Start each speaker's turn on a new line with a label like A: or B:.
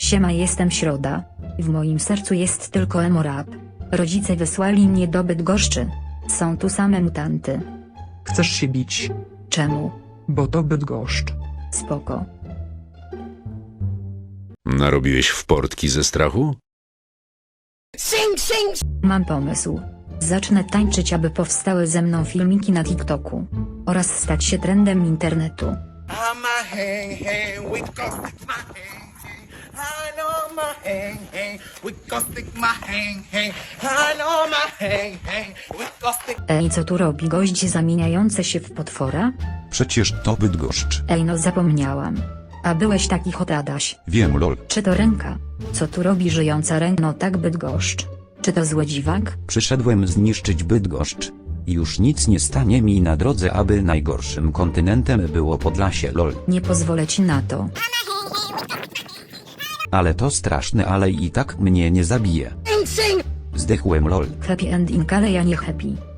A: Siema, jestem Środa. W moim sercu jest tylko emo rap. Rodzice wysłali mnie do Bydgoszczy. Są tu same mutanty.
B: Chcesz się bić?
A: Czemu?
B: Bo to Bydgoszcz.
A: Spoko.
C: Narobiłeś w portki ze strachu?
A: Mam pomysł. Zacznę tańczyć, aby powstały ze mną filmiki na TikToku. Oraz stać się trendem internetu.
D: I'm a hang hang, we go stick my hang hang. I know my hang hang, we go stick my hang hang. I know my hang hang, we go stick.
A: Ej, co tu robi gość zamieniający się w potwora?
E: Przecież to Bydgoszcz.
A: Ej, no zapomniałam. A byłeś taki hot, Adaś.
E: Wiem, lol.
A: Czy to ręka? Co tu robi żyjąca ręka? No tak, Bydgoszcz. Czy to zły dziwak?
E: Przyszedłem zniszczyć Bydgoszcz. Już nic nie stanie mi na drodze, aby najgorszym kontynentem było Podlasie, lol.
A: Nie pozwolę ci na to.
E: Ale to straszne, ale i tak mnie nie zabije. Zdechłem, lol.
A: Happy ending, ale ja nie happy.